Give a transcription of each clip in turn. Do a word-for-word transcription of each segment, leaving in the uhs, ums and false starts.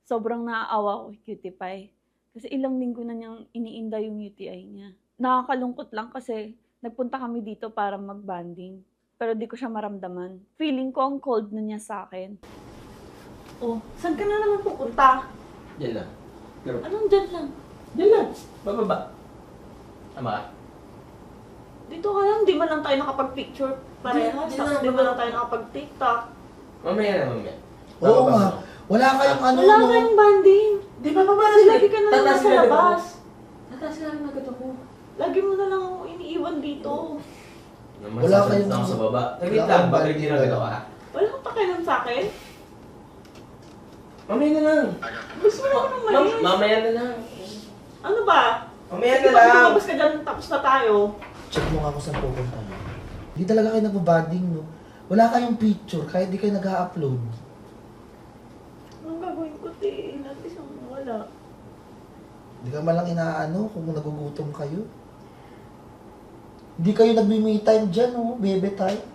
sobrang naaawa ko kay Cutie Pie. Kasi ilang linggo na niyang iniinda yung U T I niya. Nakakalungkot lang kasi nagpunta kami dito para mag-bonding. Pero di ko siya maramdaman. Feeling ko ang cold na niya sa akin. Oh, saan ka na naman pupunta? Diyan lang. Pero, Anong dyan lang? diyan lang. Bababa. Tama ka? Dito ka lang, di man lang tayo nakapag-picture parehas. Di- di Tapos na, di man baba. lang tayo nakapag-tiktok. Mamaya na, mamaya. Oo Bababa nga. mo. Wala kayong ano, Wala no? kayong banding. Di ba bababa Kasi lagi ka na lang Tataas nasa na agad ako. labas. Tataas na lang agad ako. Lagi mo na lang ako iniiwan dito. Naman, Wala sasalit kayong- na ako sa baba. Taglit wala lang, kayong bakit banding hindi na agad ako ha? Wala kang pakialam sa akin. Mamaya na lang. Gusto mo naman Ma- umalis. mamaya na lang. Ano ba? Mamaya Sige, na pag lang. lumabas ka dyan, tapos na tayo. Check mo nga kung saan pupunta mo. Hindi talaga kayo nagbabanding, no? Wala kayong picture, kahit di kayo nag-upload. Anong gagawin ko, te? Natin siyang wala. Hindi ka malang inaano kung nagugutom kayo. Hindi kayo nagme-me time dyan, no? Bebe time.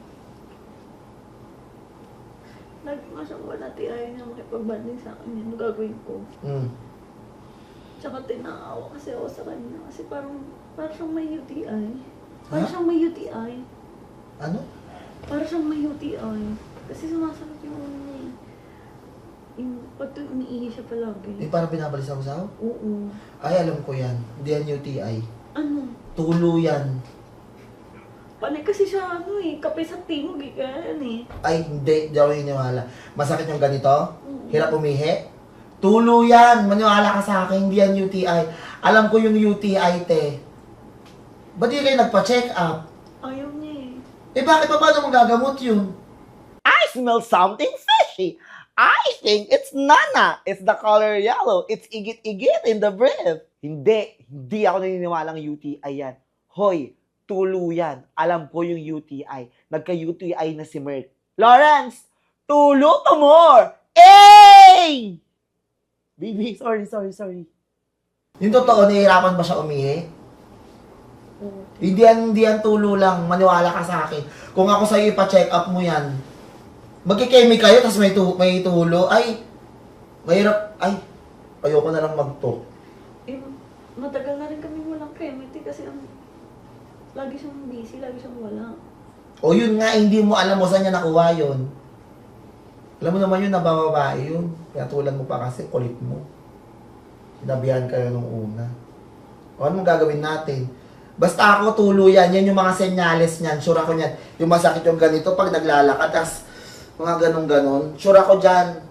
Lagi nga siyang wala, te. Ayaw niya makipagbanding sa akin. Ano gagawin ko? Hmm. Tsaka tinaawa kasi ako sa kanya. Kasi parang, parang siyang may U T I. Parang Ha? siyang may U T I. Ano? Parang siyang may U T I. Kasi sumasakit yung ano niya eh. Yung, pag to, umiihi siya palagi. Eh, parang binabalisaw-saw? Oo. Ay, alam ko yan. Hindi yan U T I. Ano? Tulo yan. Panay kasi siya ano eh, kape sa timog eh, kaya yan eh. Ay, hindi. Hindi ako iniwala. Masakit yung ganito? Oo. Hirap umihi? Tulo yan. Maniwala ka sa akin. Hindi yan U T I. Alam ko yung U T I, te. Ba't di kayo nagpa-check up? Ayaw niya eh. Eh, bakit pa paano magagamot yun? I smell something fishy. I think it's Nana. It's the color yellow. It's igit-igit in the breath. Hindi. Hindi ako naniniwalang U T I yan. Hoy, tulo yan. Alam ko yung U T I. Nagka-U T I na si Merck. Lawrence, tulo to more. Hey! Baby, sorry, sorry, sorry. Yung totoo, nahihirapan ba siya umihi? Oo. Hindi yan, hindi yan tulo lang. Maniwala ka sa akin. Kung ako sa'yo ipa-check up mo yan, magkikemi kayo, tapos may, tu may tulo. Ay, mahirap. Ay, ayoko na lang mag-talk. Eh, matagal na rin kami walang chemistry kasi ang lagi siyang busy, lagi siyang wala. O yun nga, hindi mo alam mo saan niya nakuha yun. Alam mo naman yun, nabababae yun. Pinatulan mo pa kasi, kulit mo. Sinabihan kayo nung una. O ano mong gagawin natin? Basta ako, tulo yan. Yan yung mga senyales niyan. Sure ako niyan. Yung masakit yung ganito pag naglalakad. Tapos, mga ganun-ganon. Sure ako dyan.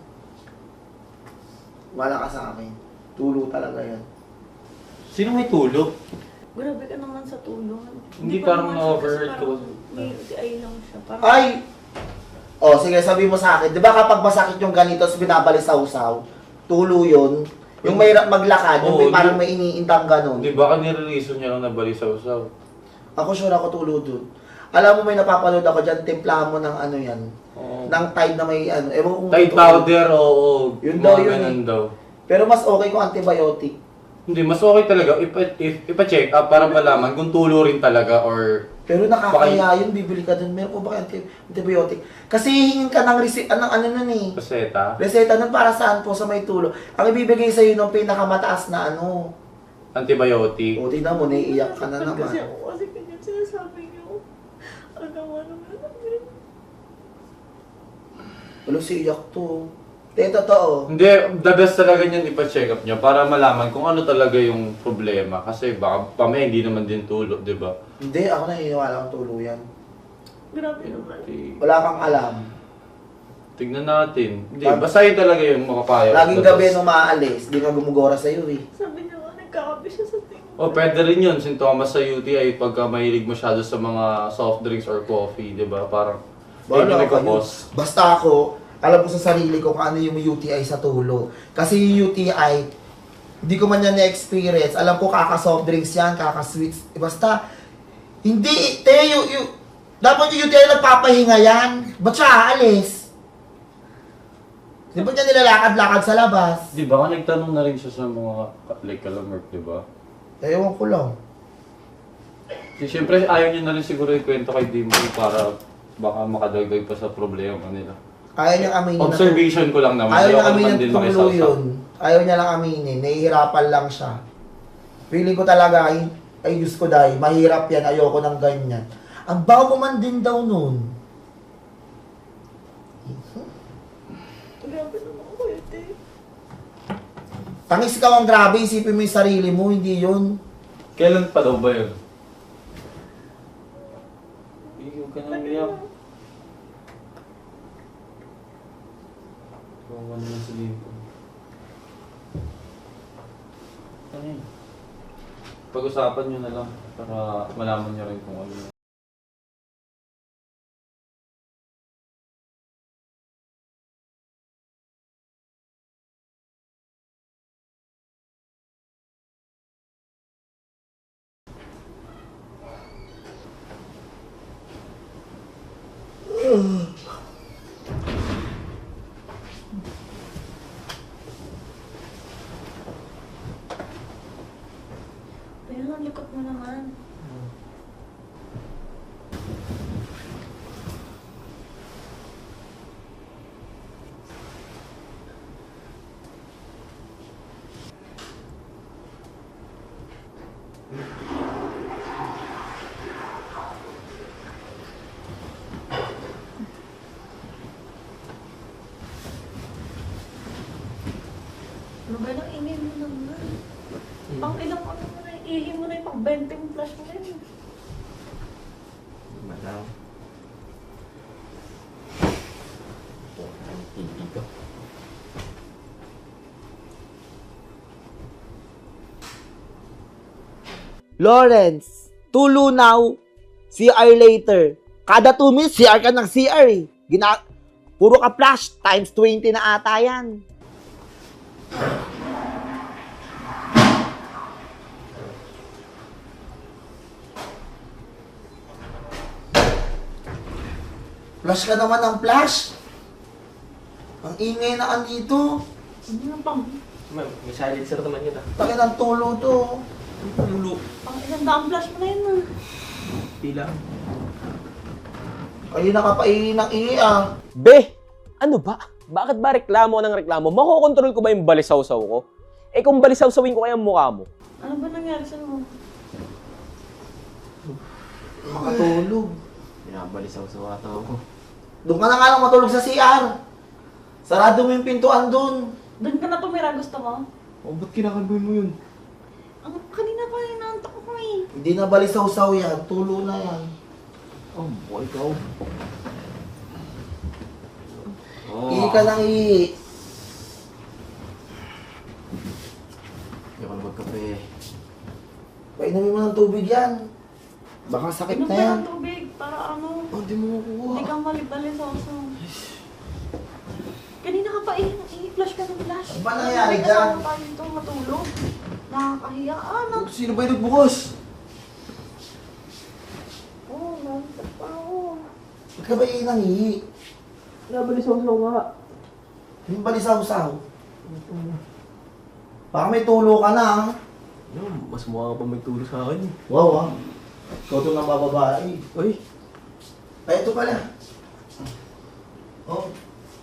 Wala ka sa akin. Tulo talaga yan. Sino may tulog? Grabe ka naman sa tulong. Hindi pa parang naman siya, na-overheard kasi ko. parang May U T I lang siya. Parang, Ay! O, sige, sabi mo sa akin. Di ba kapag masakit yung ganito, tapos binabalisaw-saw, tulo yun. Yung may maglakad, yung may Oo, parang di- may iniintang ganon. Di ba ka nire-reason niya lang na balisaw-saw? Ako sure ako tulo dun. Alam mo, may napapanood ako dyan, timplahan mo ng ano yan. Oo. Ng Tide na may ano. Ewan ko kung Tide totoo. powder, oo. Yun Mga daw, yun ganun eh. daw. Pero mas okay kung antibiotic. Hindi, mas okay talaga ipa- if, ipa-check up para malaman kung tulo rin talaga or... Pero nakakaya yun, bibili ka dun. Meron ko ba kayo anti- antibiotic? Kasi hihingin ka ng receipt, anong ano nun eh. Paseta, Reseta nun para saan po sa may tulo. Ang ibibigay sa'yo nung pinakamataas na ano. antibiotic. O, tingnan mo, naiiyak ka na naman. Kasi ako, kasi ganyan sinasabi niyo. Agawa naman namin. Wala si iyak to. Te, totoo. Hindi, the best talaga niyan ipa-check up niya para malaman kung ano talaga yung problema. Kasi baka pamaya hindi naman din tulo, di ba? Hindi, ako naniniwala kang tulo yan. Grabe naman. Okay. Wala kang alam. Tignan natin. Hindi, Pag- basta yun talaga yung makapaya. Laging gabi nung maalis, di ka gumugora sa'yo eh. Sabi niya nga, nagkakape siya sa tingin. O, oh, pwede rin yun. Sintomas sa U T I pagka mahilig masyado sa mga soft drinks or coffee, di ba? Parang, yun yung Wala kayo. nagkakos. Basta ako, alam ko sa sarili ko kung ano yung U T I sa tulo. Kasi yung U T I, hindi ko man yan na-experience. Alam ko kaka-soft drinks yan, kaka-sweets. Eh, basta, hindi, te, yung, yung, dapat yung U T I nagpapahinga yan. Ba't siya aalis? Di ba niya nilalakad-lakad sa labas? Di ba ka nagtanong na rin siya sa mga like kalamerk, di ba? Ewan ko lang. Si, siyempre, ayaw niya na rin siguro ikwento kay Dimple para baka makadagdag pa sa problema nila. Ayaw niyang aminin na Observation ko lang naman. Ayaw niya Ayoko aminin naman din na tulo makisawsaw. yun. Ayaw niya lang aminin. Nahihirapan lang siya. Feeling ko talaga, ay, ay Diyos ko dahil, mahirap yan, ayoko ng ganyan. Ang bago mo man din daw nun. Grabe naman ako, ete. Tangis ka ang grabe, isipin mo yung sarili mo, hindi yun. Kailan pa daw ba yun? Huwag ka nang iyak. Kawawa naman sa libo. Ano yun? Pag-usapan nyo na lang para malaman nyo rin kung ano yun. Ayun, ang likot mo naman. Ano ba nang ingay mo naman? Pang ilang ano mo na, ihi mo na yung pang twenty yung flash mo na yun. Madam. Oh, ang titi ko. Lawrence, tulo now, C R later. Kada two minutes, C R ka ng C R eh. Gina Puro ka flash, times twenty na ata yan. Flash ka naman ng flash. Ang ingay na andito. Ano na pang, Ma'am, may silencer naman yun ah. Taki ng tulo to. Mulo. pang ilang daang flash mo na yun ah. Pila. Kayo nakapaingin ng ihi ah. Be, ano ba? Bakit ba reklamo ng reklamo? Makokontrol ko ba yung balisaw-saw ko? Eh kung balisaw-sawin ko kaya ang mukha mo? Ano ba nangyari sa mo? Makatulog. Pinabalisaw sa wata ako. Doon ka na nga lang matulog sa C R. Sarado mo yung pintuan doon. Doon ka na tumira, gusto mo? Oh, ba't kinakalboy mo yun? Ang kanina pa inaantok ko eh. Hindi na balisaw-saw yan. Tulo na yan. Oh, boy, ikaw. Oh. Ihi ka ng ihi. Hindi ako na magkape. Painumin mo ng tubig yan. Baka sakit Inom na ka yan. ng tubig para ano, Oh, di mo makuha. hindi kang malibali sa oso. Kanina ka pa eh, i-flash ka ng flash. Ano ba nangyari Hindi dyan? kasama tayo dito matulog. Nakakahiya. Ah, nang... Sino ba yung nagbukas? Oh, nantok pa ako. Ba't ka ba ihi ng ihi? Nabalisaw-saw nga. Yung balisaw-saw. Baka may tulo ka na ah. No, mas mukha ka pa may tulo sa akin eh. Wow ah. Ikaw ito ng bababae. Uy, Ay, ito pala. Oh.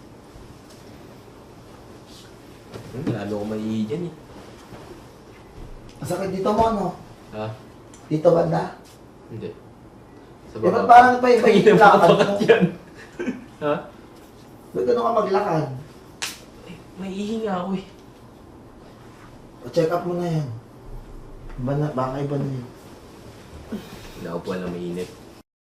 hmm, lalo ko maiihi dyan eh. Ang sakit dito mo, no? Ha? Dito banda. Hindi. Sa Eh, ba't parang pa iba yung lakad mo? yan. Ha? Ba't gano'n ka maglakad? Eh, maiihi nga ako eh. O-check up mo na yan. Iba na, baka iba na yun. Hindi ako po alam mainit.